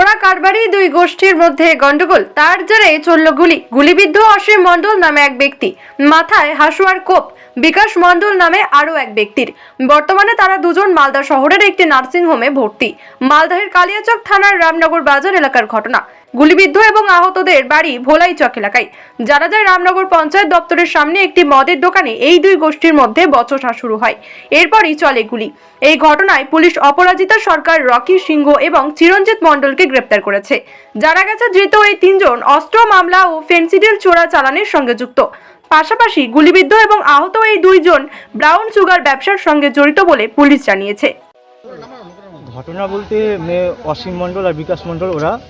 চোরা কারবারি দুই গোষ্ঠীর মধ্যে গন্ডগোল, তার জেরে চলল গুলিবিদ্ধ অসীম মণ্ডল নামে এক ব্যক্তি, মাথায় হাসুয়ার কোপ বিকাশ মণ্ডল নামে আরও এক ব্যক্তির। বর্তমানে তারা দুজন মালদা শহরের একটি নার্সিংহোমে ভর্তি। মালদহের কালিয়াচক থানার রামনগর বাজার এলাকার ঘটনা। গুলিবিদ্ধ এবং আহতদের বাড়ি ভোলাইচক এলাকায়। জানা যায়, রামনগর পঞ্চায়েত দপ্তরের সামনে একটি মদের দোকানে এই দুই গোষ্ঠীর মধ্যে বচসা শুরু হয়। এরপরই চলে গুলি। এই ঘটনায় পুলিশ অপরাজিতা সরকার, রকি সিংহ এবং চিরঞ্জিত মণ্ডলকে গ্রেপ্তার করেছে। জানা গেছে, ধৃত এই তিনজন অস্ত্র মামলা ও ফেন্সিডিল চোরা চালানের সঙ্গে যুক্ত। পাশাপাশি গুলিবিদ্ধ এবং আহত এই দুইজন ব্রাউন সুগার ব্যবসার সঙ্গে জড়িত বলে পুলিশ জানিয়েছে। ঘটনা বলতে অসীম মণ্ডল আর বিকাশ মণ্ডল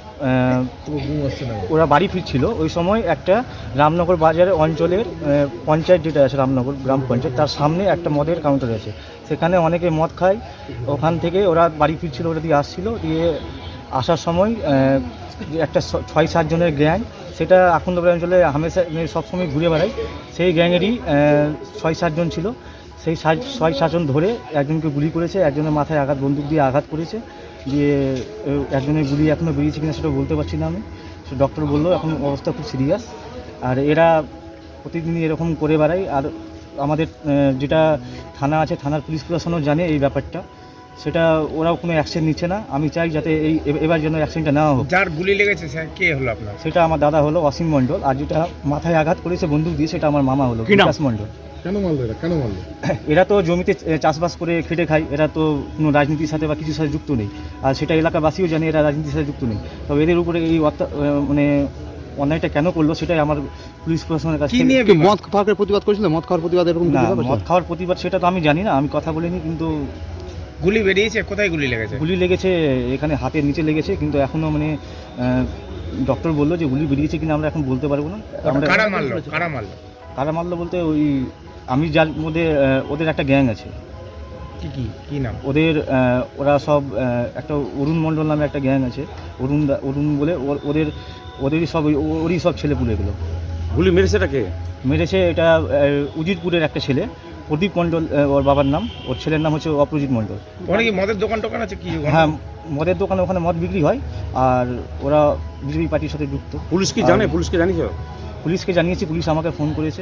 ওরা বাড়ি ফিরছিল। ওই সময় একটা রামনগর বাজারের অঞ্চলের পঞ্চায়েত, যেটা আছে রামনগর গ্রাম পঞ্চায়েত, তার সামনে একটা মদের কাউন্টার আছে। সেখানে অনেকে মদ খায়। ওখান থেকে ওরা বাড়ি ফিরছিল, ওরা দিয়ে আসছিল। দিয়ে আসার সময় একটা ৬-৭ জনের গ্যাং, সেটা আখন্দপুর অঞ্চলে হামেশা সবসময় ঘুরে বেড়ায়। সেই গ্যাংয়েরই ৬-৭ জন ছিল। সেই ৬-৭ জন ধরে একজনকে গুলি করেছে, একজনের মাথায় বন্দুক দিয়ে আঘাত করেছে। দিয়ে একজনের গুলি এখনও বেরিয়েছে কিনা সেটা বলতে পারছি না আমি। সে ডক্টর বললো এখন অবস্থা খুব সিরিয়াস। আর এরা প্রতিদিনই এরকম করে বেড়ায়। আর আমাদের যেটা থানা আছে, থানার পুলিশ প্রশাসনও জানে এই ব্যাপারটা, সেটা ওরাও কোনো অ্যাকশন নিচ্ছে না। আমি চাই যাতে এবার যেন অ্যাকশনটা নেওয়া হোক। যার গুলি লেগেছে কে হলো আপনার? সেটা আমার দাদা হলো অসীম মণ্ডল, আর যেটা মাথায় আঘাত করেছে বন্দুক দিয়ে সেটা আমার মামা হলো বিকাশ মণ্ডল। কেন মারলো এরা তো জমিতে চাষবাস করে খেটে খায়। এরা তো কোনো রাজনীতির সাথে বা কিছুর সাথে যুক্ত নেই। আর সেটা এলাকাবাসীও জানে এরা রাজনীতির সাথে যুক্ত নেই। তবে এদের উপরে এই মানে অন্যায়টা কেন করলো সেটাই আমার পুলিশ প্রশাসনের কাছে। মদ খাওয়ার প্রতিবাদ করেছিল? মদ খাওয়ার প্রতিবাদ এরকম না, মদ খাওয়ার প্রতিবাদ সেটা তো আমি জানি না, আমি কথা বলিনি। কিন্তু গুলি বেরিয়েছে, কোথায় গুলি লেগেছে? গুলি লেগেছে এখানে হাতের নিচে লেগেছে, কিন্তু এখনও মানে ডক্টর বললো যে গুলি বেরিয়েছে কিনা আমরা এখন বলতে পারবো না। কারা মারলো বলতে ওই আমি যার মধ্যে ওদের একটা গ্যাং আছে। কি নাম ওদের? ওরা সব একটা অরুণ মণ্ডল নামে একটা গ্যাং আছে। অরুণ বলে ওদেরই সব ওরই সব ছেলেপুলে এগুলো। গুলি মেরেছেটা কে? মেরেছে এটা উজিরপুরের একটা ছেলে, প্রদীপ মণ্ডল ওর বাবার নাম। ওর ছেলের নাম হচ্ছে অপ্রজিৎ মণ্ডল। কি মদের দোকান আছে? কি? হ্যাঁ, মদের দোকানে ওখানে মদ বিক্রি হয়। আর ওরা বিজেপি পার্টির সাথে যুক্ত। পুলিশ কি জানে? পুলিশকে জানিয়েছ? পুলিশকে জানিয়েছি, পুলিশ আমাকে ফোন করেছে।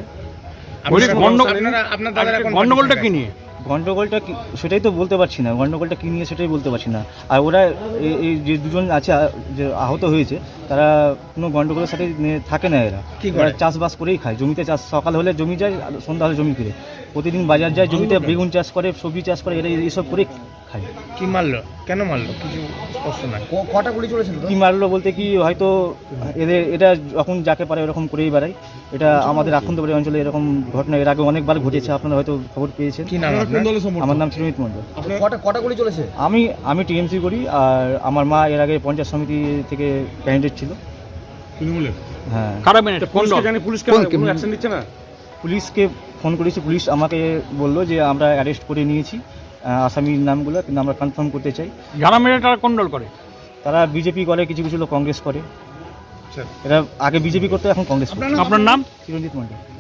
গন্ডগোলটা কি নিয়ে? গন্ডগোলটা সেটাই তো বলতে পারছি না। গন্ডগোলটা কী নিয়ে সেটাই বলতে পারছি না। আর ওরা এই যে দুজন আছে যে আহত হয়েছে, তারা কোনো গন্ডগোলের সাথে থাকে না। এরা চাষবাস করেই খায়। জমিতে চাষ, সকাল হলে জমি যায়, সন্ধ্যা হলে জমি ফিরে। প্রতিদিন বাজার যায়, জমিতে বেগুন চাষ করে, সবজি চাষ করে। এরা এইসব করেই খায়। কি মারলো? কেন মারলো? কিছু স্পষ্ট না। কটা গুলি চলেছিল? কি মারলো বলতে কি, হয়তো এটা যখন যাকে পারে এরকম করেই বেড়ায়। এটা আমাদের আখন্দপুর অঞ্চলে এরকম ঘটনা এর আগে অনেকবার ঘটেছে, আপনারা হয়তো খবর পেয়েছেন। কি নাম? আমার নাম চিরঞ্জিত মণ্ডল। কটা গুলি চলেছে? আমি টিএমসি করি, আর আমার মা এর আগে পঞ্চায়েত সমিতি থেকে ক্যান্ডিডেট ছিল। হ্যাঁ। পুলিশকে ফোন করেছি, পুলিশ আমাকে বললো যে আমরা অ্যারেস্ট করে নিয়েছি আসামির নামগুলো, কিন্তু আমরা কনফার্ম করতে চাই। যারা মেরে তারা কোন দল করে? তারা বিজেপি করে, কিছু কিছু লোক কংগ্রেস করে। এরা আগে বিজেপি করতে, এখন কংগ্রেস করে। আপনার নাম? চিরঞ্জিত মণ্ডল।